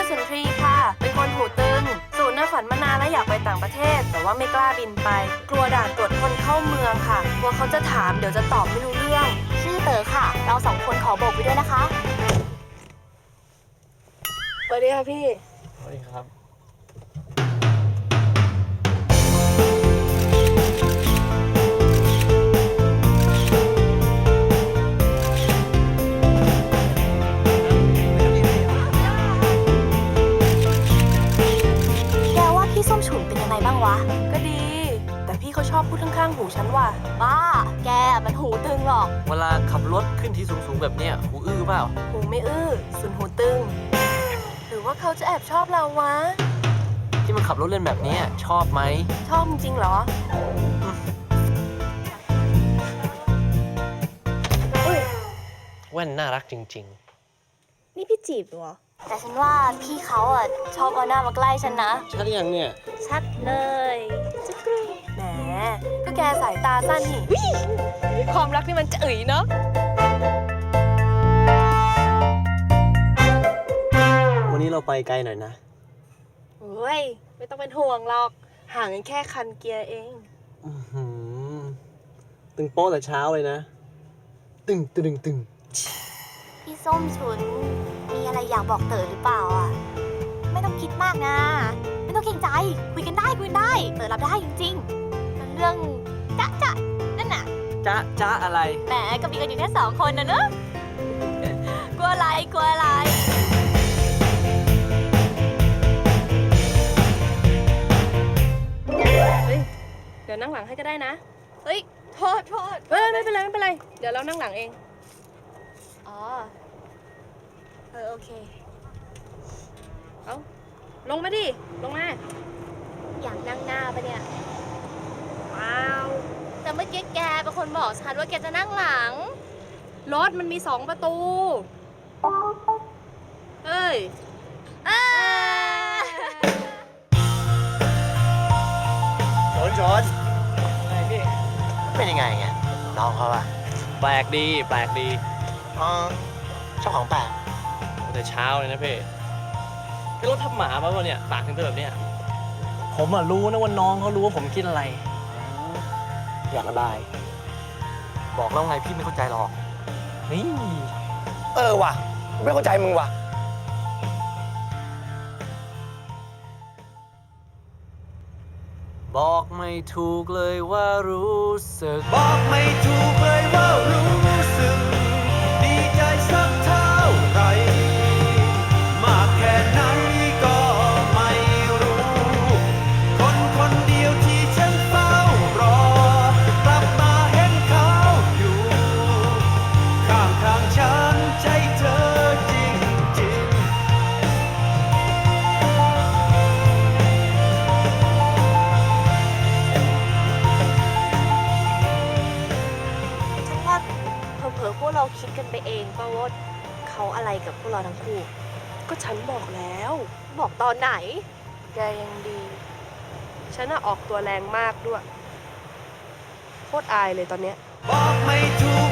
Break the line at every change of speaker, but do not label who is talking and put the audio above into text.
สุนทรีค่ะเป็นคนหูตึงสูนย์น่ะฝันมานานแล้วอยากไปต่างประเทศแต่ว่าไม่กล้าบินไปกลัวด่านตรวจคนเข้าเมืองค่ะกลัวเขาจะถามเดี๋ยวจะตอบไม่รู้เรื่อง
ชื่อเต๋อค่ะเราสองคนขอโบกไปด้วยนะคะ
สวัสดีค่ะพี่
สวัสดีครับ
แกว่าพี่ส้มฉุนเป็นยังไงบ้างวะ
ก็ดีแต่พี่เขาชอบพูดข้างๆหูฉันว่ะ
บ้าแกมันหูตึงหรอก
เวลาขับรถขึ้นที่สูงๆแบบเนี้ยหูอื้อเปล่า
หูไม่อื้อสุนหูตึงหรือว่าเขาจะแอบชอบเราวะ
ที่มันขับรถเล่นแบบนี้ชอบไหม
ชอบจริงเหรอ
แว่นน่ารักจริง
ๆนี่พี่จีบเหรอ
แต่ฉันว่าพี่เขาชอบเอาหน้ามาใกล้ฉันนะ
ชัดยังเนี่ย
ชัดเลยจะกรี๊ดแหมก็แกสายตาสั้นนี่ความรักนี่มันจะเนาะ
วันนี้เราไปไกลหน่อยนะ
โอ้ยไม่ต้องเป็นห่วงหรอกห่างกันแค่คันเกียร์เอง
ตึงโป๊ะแต่เช้าเลยนะตึง
พี่ส้มฉุนมีอะไรอยากบอกเต๋อหรือเปล่าไม่ต้องคิดมากนะไม่ต้องเกรงใจคุยกันได้เต๋อรับได้จริงๆมันเรื่องจ๊ะนั่นน่ะ
จ๊ะอะไร
แหมก็มีกันอยู่แค่2 คนนะเนอะกลัวอะไร
เฮ้ยเดี๋ยวนั่งหลังให้ก็ได้นะเฮ้ยโทษไม่เป็นไรเดี๋ยวเรานั่งหลังเอง
อ๋อโอเค
เอาลงมาดิลงมา
อยากนั่งหน้าปะเนี่ย
เปล่า
แต่เมื่อกี้แกเป็นคนบอกฉันว่าแกจะนั่งหลัง
รถมันมี2 ประตูเอ้ย
ชนไงพี่เป็นยังไงไงน้องเขาอะแปลกดีชอบของแปลกแต่เช้าเลยนะพี่รถทับหมาป่ะเนี่ยปากถึงแบบเนี้ยผมรู้นะว่าน้องเขารู้ว่าผมคิดอะไรอยากระบายบอกแล้วไงพี่ไม่เข้าใจหรอกนี่
ว่ะไม่เข้าใจมึงว่ะ
บอกไม่ถูกเลยว่ารู้สึก
บอกไม่ถูกเลยว่ารู้สึกดีใจสักเท่าไหร่มากแค่ไหนก็ไม่รู้คนเดียวที่ฉันเฝ้ารอกลับมาเห็นเขาอยู่ข้างฉันใจเธอจริง
ฉันว่าเผลอๆพวกเราคิดกันไปเองป่ะว่าเขาอะไรกับพวกเราทั้งคู่
ก็ฉันบอกแล้ว
บอกตอนไหน
แกยังดีฉันออกตัวแรงมากด้วยโคตรอายเลยตอนเนี้ย
บอกไม่ถูก